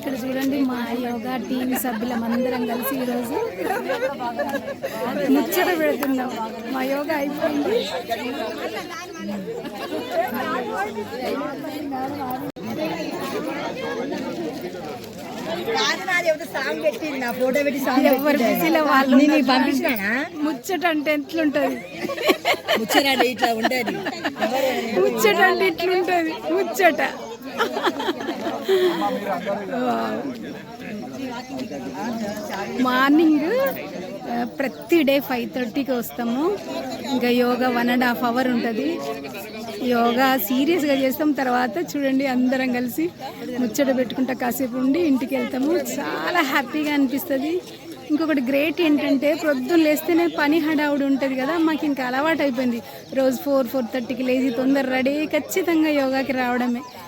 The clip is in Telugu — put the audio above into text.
ఇక్కడ చూడండి మా యోగా టీం సభ్యులం అందరం కలిసి ఈరోజు ముచ్చట పెడుతున్నాం. మా యోగా అయిపోయింది. ఎవరు బిజీలో వాళ్ళు ముచ్చట అంటే ఎట్లుంటది, ముచ్చట అంటే ఇట్లుంటది, ముచ్చట. మార్నింగ్ ప్రతి డే 5:30కి వస్తాము. ఇంకా యోగా 1.5 hours ఉంటుంది. యోగా సీరియస్గా చేస్తాం. తర్వాత చూడండి అందరం కలిసి ముచ్చట పెట్టుకుంటా కాసేపు ఉండి ఇంటికి వెళ్తాము. చాలా హ్యాపీగా అనిపిస్తుంది. ఇంకొకటి గ్రేట్ ఏంటంటే ప్రొద్దున లేస్తేనే పని హడావుడి ఉంటుంది కదా, మాకు ఇంకా అలవాటు అయిపోయింది. రోజు 4-4:30కి లేచి తొందర రెడీ ఖచ్చితంగా యోగాకి రావడమే.